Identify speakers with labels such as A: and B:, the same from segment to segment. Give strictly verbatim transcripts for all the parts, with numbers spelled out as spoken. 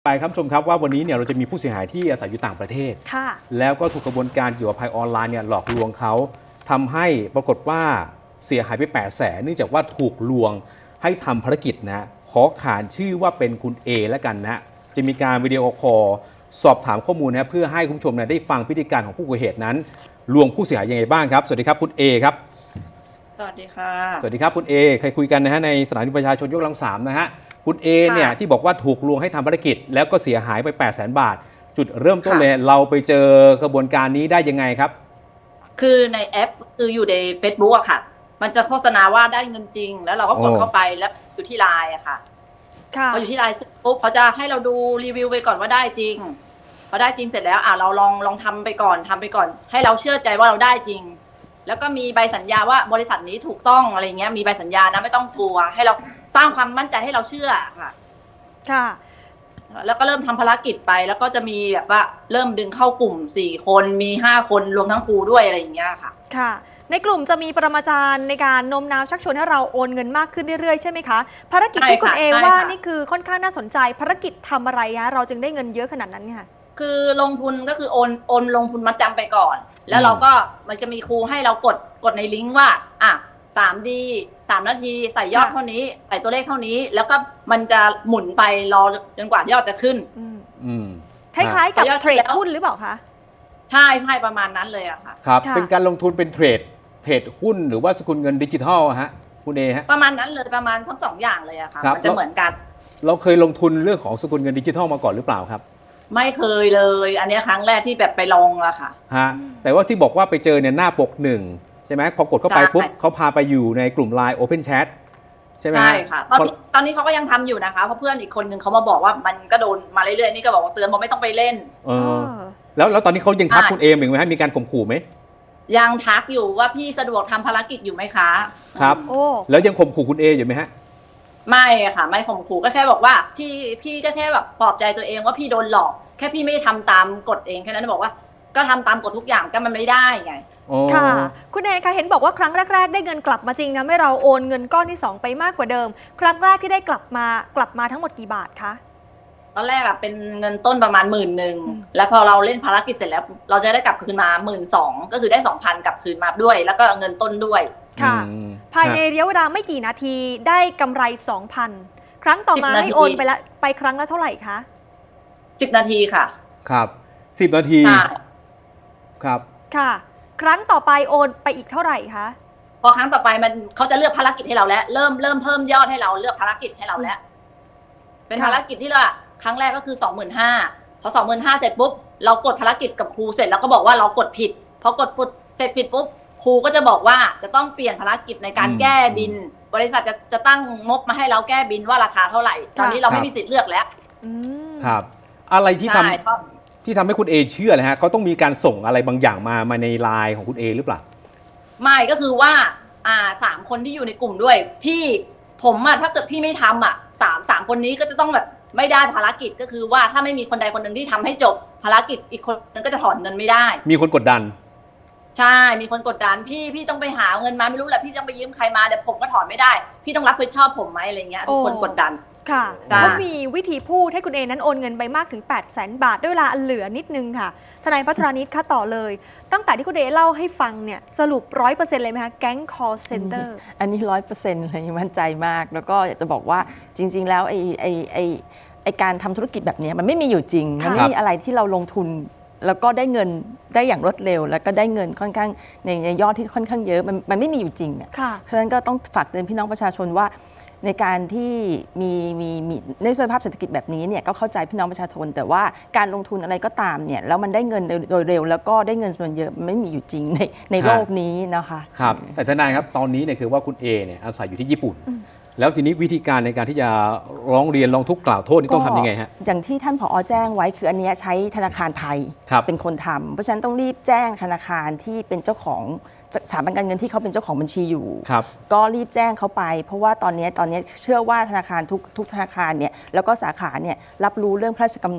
A: ไปครับชมครับว่าวันนี้เนี่ยเราจะมีผู้เสียหายที่อาศัยอยู่ต่างประเทศค่ะแล้วก็ถูกกระบวนการเกี่ยวกับภัยออนไลน์เนี่ยหลอกลวงเขาทำให้ปรากฏว่าเสียหายไปแปดแสนเนื่องจากว่าถูกลวงให้ทำภารกิจนะขอขานชื่อว่าเป็นคุณ A แล้วกันนะจะมีการวิดีโอคอลสอบถามข้อมูลนะเพื่อให้คุณผู้ชมนะได้ฟังพฤติการของผู้ก่อเหตุนั้นลวงผู้เสียหายยังไงบ้างครับสวัสดีครับคุณ A ครับ
B: สวัสดีค่ะ
A: สวัสดีครับคุณ A เคยคุยกันนะฮะในสถานีประชาชนยกกำลังสามนะฮะคุณ A เนี่ยที่บอกว่าถูกลวงให้ทำภารกิจแล้วก็เสียหายไป แปดแสน บาทจุดเริ่มต้นเลยเราไปเจอกระบวนการนี้ได้ยังไงครับ
B: คือในแอปคืออยู่ใน Facebook อะค่ะมันจะโฆษณาว่าได้เงินจริงแล้วเราก็กดเข้าไปแล้วอยู่ที่ไลน์อะค่ะพออยู่ที่ไลน์ปุ๊บเขาจะให้เราดูรีวิวไปก่อนว่าได้จริงพอได้จริงเสร็จแล้วอ่ะเราลองลองทำไปก่อนทำไปก่อนให้เราเชื่อใจว่าเราได้จริงแล้วก็มีใบสัญญาว่าบริษัทนี้ถูกต้องอะไรเงี้ยมีใบสัญญานะไม่ต้องกลัวให้เราสร้างความมั่นใจให้เราเชื่อค่ะ
C: ค่ะ
B: แล้วก็เริ่มทำภารกิจไปแล้วก็จะมีแบบว่าเริ่มดึงเข้ากลุ่มสี่คนมีห้าคนรวมทั้งครูด้วยอะไรอย่างเงี้ยค่ะ
C: ค่ะในกลุ่มจะมีปรมาจารย์ในการโน้มน้าวชักชวนให้เราโอนเงินมากขึ้นเรื่อยๆใช่ไหมคะภารกิจที่คุณเอว่านี่คือค่อนข้างน่าสนใจภารกิจทำอะไรคะเราจึงได้เงินเยอะขนาดนั้นค่ะ
B: คือลงทุนก็คือโอนโอนลงทุนมาจำไปก่อนแล้วเราก็มันจะมีครูให้เรากดกดในลิงก์ว่าอ่ะสามดีสามนาทีใส่ยอดเท่านี้ใส่ตัวเลขเท่านี้แล้วก็มันจะหมุนไปรอจนกว่ายอดจะขึ้น
A: อืม
C: คล้ายๆกับเทรดหุ้นหรือเปล่าคะ
B: ใช่ใช่ประมาณนั้นเลยอะค่ะ
A: ครับเป็นการลงทุนเป็นเทรดเทรดหุ้นหรือว่าสกุลเงินดิจิทัลฮะคุณเอฮะ
B: ประมาณนั้นเลยประมาณทั้งสองอย่างเลยอะค่ะมันจะเหมือนกัน
A: เราเคยลงทุนเรื่องของสกุลเงินดิจิทัลมาก่อนหรือเปล่าครับ
B: ไม่เคยเลยอันนี้ครั้งแรกที่แบบไปลองอะค่ะ
A: ฮะแต่ว่าที่บอกว่าไปเจอเนี่ยหน้าปกหนึ่งใช่ไหมพอกดเข้าไปปุ๊บเขาพาไปอยู่ในกลุ่ม ไลน์ Open Chat ใช่ไหม
B: ใช่ค่ะตอนนี้ตอนนี้เขาก็ยังทำอยู่นะคะเพราะเพื่อนอีกคนนึงเขามาบอกว่ามันก็โดนมาเรื่อยๆนี่ก็บอกว่าเตือนบอกไม่ต้องไปเล่น
A: เออแล้วแล้วตอนนี้เขายังทักคุณเอมอีกไหมฮะมีการข่มขู่ไหม
B: ยังทักอยู่ว่าพี่สะดวกทำภารกิจอยู่ไหมคะ
A: ครับโอ้แล้วยังข่มขู่คุณเออยู่ไหมฮะ
B: ไม่ค่ะไม่ข่มขู่ก็แค่บอกว่าพี่พี่ก็แค่แบบปลอบใจตัวเองว่าพี่โดนหลอกแค่พี่ไม่ทำตามกฎเองแค่นั้นบอกว่าก็ทำตามกฎทุกอย่างก็มันไม่ได้ไง
C: ค่ะคุณเอคะเห็นบอกว่าครั้งแรกๆได้เงินกลับมาจริงนะไม่เราโอนเงินก้อนที่สองไปมากกว่าเดิมครั้งแรกที่ได้กลับมากลับมาทั้งหมดกี่บาทคะ
B: ตอนแรกอะเป็นเงินต้นประมาณหมื่นหนึ่งแล้วพอเราเล่นภารกิจเสร็จแล้วเราจะได้กลับคืนมาหมื่นสองก็คือได้สองพันกลับคืนมาด้วยแล้วก็เงินต้นด้วย
C: ค่ะภายในระยะเวลาไม่กี่นาทีได้กำไรสองพันครั้งต่อมาให้โอนไปละไปครั้งละเท่าไหร่คะ
B: สิบนาทีค่ะ
A: ครับสิบนาทีครับ
C: ค่ะครั้งต่อไปโอนไปอีกเท่าไหร่คะ
B: พอครั้งต่อไปมันเขาจะเลือกภารกิจให้เราแล้วเริ่มเริ่มเพิ่มยอดให้เราเลือกภารกิจให้เราแล้วเป็นภารกิจที่เราครั้งแรกก็คือสองหมื่นห้าพอสองหมื่นห้าเสร็จปุ๊บเรากดภารกิจกับครูเสร็จแล้วก็บอกว่าเรากดผิดพอกดปุ๊บเสร็จผิดปุ๊บครูก็จะบอกว่าจะต้องเปลี่ยนภารกิจในการแก้บินบริษัทจะจะตั้งงบมาให้เราแก้บินว่าราคาเท่าไหร่ตอนนี้เราไม่มีสิทธิ์เลือกแล้ว
A: ครับอะไรที่ทำที่ทำให้คุณเอเชื่อเลยฮะเขาต้องมีการส่งอะไรบางอย่างมามาในไลน์ของคุณเอหรือเปล่า
B: ไม่ก็คือว่าอ่าสามคนที่อยู่ในกลุ่มด้วยพี่ผมอะถ้าเกิดพี่ไม่ทำอะสามสามคนนี้ก็จะต้องแบบไม่ได้ภารกิจก็คือว่าถ้าไม่มีคนใดคนหนึ่งที่ทำให้จบภารกิจอีกคนนึงก็จะถอนเงินไม่ได้
A: มีคนกดดัน
B: ใช่มีคนกดดันพี่พี่ต้องไปหาเงินมาไม่รู้แหละพี่ต้องไปยืมใครมาเดี๋ยวผมก็ถอนไม่ได้พี่ต้องรับผิดชอบผมไหมอะไรเงี้ยทุกคนกดดัน
C: ค่ะเขามีวิธีพูดให้คุณเอนั้นโอนเงินไปมากถึง แปดแสน บาทด้วยเวลาเหลือนิดนึงค่ะทนายพัทรานิชค่ะต่อเลยตั้งแต่ที่คุณเอเล่าให้ฟังเนี่ยสรุป ร้อยเปอร์เซ็นต์ เลยไหมคะแก๊ง call center
D: อันนี้ ร้อยเปอร์เซ็นต์ เลยมั่นใจมากแล้วก็อยากจะบอกว่าจริงๆแล้วไอ้ไอ้ไอ้ไอ้การทำธุรกิจแบบนี้มันไม่มีอยู่จริงมันไม่มีอะไรที่เราลงทุนแล้วก็ได้เงินได้อย่างรวดเร็วแล้วก็ได้เงินค่อนข้างในในยอดที่ค่อนข้างเยอะมันมันไม่มีอยู่จริงเนี่ยเพราะฉะนั้นก็ต้องฝากเตือนพี่น้องประชาชนว่าในการที่มีมีมีในสภาพเศรษฐกิจแบบนี้เนี่ยก็เข้าใจพี่น้องประชาชนแต่ว่าการลงทุนอะไรก็ตามเนี่ยแล้วมันได้เงินโดยเร็วแล้วก็ได้เงินส่วนเยอะไม่มีอยู่จริงในในโลกนี้นะคะ
A: ครับแต่ทนายครับตอนนี้เนี่ยคือว่าคุณเอเนี่ยอาศัยอยู่ที่ญี่ปุ่นแล้วทีนี้วิธีการในการที่จะร้องเรียนร้องทุกข์กล่าวโทษนี่ต้องทำยังไงฮะ
D: อย่างที่ท่านผอ.แจ้งไว้คืออันนี้ใช้ธนาคารไทยเป็นคนทำเพราะฉะนั้นต้องรีบแจ้งธนาคารที่เป็นเจ้าของสถาบันการเงินที่เขาเป็นเจ้าของบัญชีอยู่ก็รีบแจ้งเขาไปเพราะว่าตอนนี้ตอนนี้เชื่อว่าธนาคารทุกทุกธนาคารเนี่ยแล้วก็สาขาเนี่ยรับรู้เรื่องพระราชกำหนด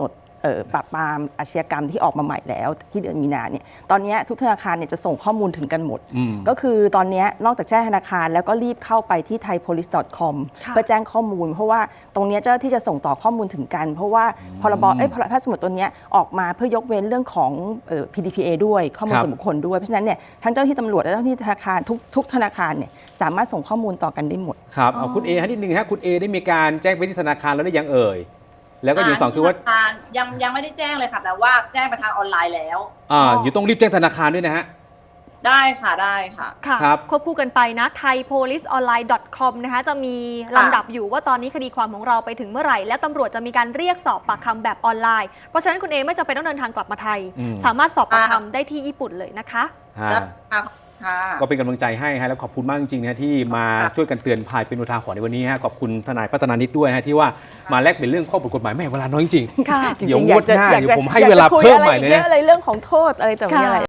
D: เอ่อปราบปรามอาชญากรรมที่ออกมาใหม่แล้วที่เดือนมีนาเนี่ยตอนนี้ทุกธนาคารเนี่ยจะส่งข้อมูลถึงกันหมด ก็คือตอนนี้นอกจากแจ้งธนาคารแล้วก็รีบเข้าไปที่ ไทยโพลิส ดอท คอม
C: ค่ะ
D: เพื่อแจ้งข้อมูล เพราะว่าตรงนี้เจ้าหน้าที่จะส่งต่อข้อมูลถึงกัน เพราะว่าพรบเอ้ยพระราชบัญญัติตัวเนี้ยออกมาเพื่อยกเว้นเรื่องของเอ่อ พี ดี พี เอ ด้วยข้อมูล
A: ครับ
D: ส่วนบุคคลด้วยเพราะฉะนั้นเนี่ยทั้งเจ้าหน้าที่ตำรวจและเจ้าหน้าที่ธนาคารทุกทุกธนาคารเนี่ยสามารถส่งข้อมูลต่อกันได้หมด
A: ครับเอาคุณเอฮะนิดนึงฮะคุณเอได้มีการแจ้งไปที่ธนาคารแล้วได้ยังเอ่ยแล้วก็อย่างสองคือว่า
B: ธนาคารยังยังไม่ได้แจ้งเลยค่ะ แต่ว่าแจ้งไปทางออนไลน์แล้ว
A: อ่าอยู่ต้องรีบแจ้งธนาคารด้วยนะฮะ
B: ได้ค่ะได้ค่ะ
C: ค่ะ
A: ครับ
C: ควบคู่กันไปนะ ไทยโพลิสออนไลน์ ดอท คอม นะคะจะมีลำดับอยู่ว่าตอนนี้คดีความของเราไปถึงเมื่อไหร่ และตำรวจจะมีการเรียกสอบปากคำแบบออนไลน์ เพราะฉะนั้นคุณเอไม่จำเป็นต้องเดินทางกลับมาไทย
A: อืม
C: สามารถสอบปาก
B: อ่า
C: คำได้ที่ญี่ปุ่นเลยนะคะ
A: อ่า
B: แล้วค่ะค่ะ
A: ก็เป็นกำลังใจให้ฮะแล้วขอบคุณมากจริงๆนะฮะที่มา
B: ครับ
A: ช่วยกันเตือนภัยเป็นอุทาหรณ์ในวันนี้ฮะขอบคุณทนายพัฒนานิดด้วยฮะที่ว่ามาแลกเปลี่ยนเรื่องข้อกฎหมายแม่เวลาน้อยจริง
C: ค่ะ
A: ๆเดี๋ยว
D: จริงๆ
A: งวดหน้า
D: อยากจะ
A: เดี๋ยวผมให้
D: อยากจะ
A: เวลา
D: คุย
A: เพิ่ม
D: อะไร
A: ใหม่เลย
D: เย
A: นะ
D: อะอะไรเรื่องของโทษอะไรแต่ไม่
C: ค่ะ
D: อะไร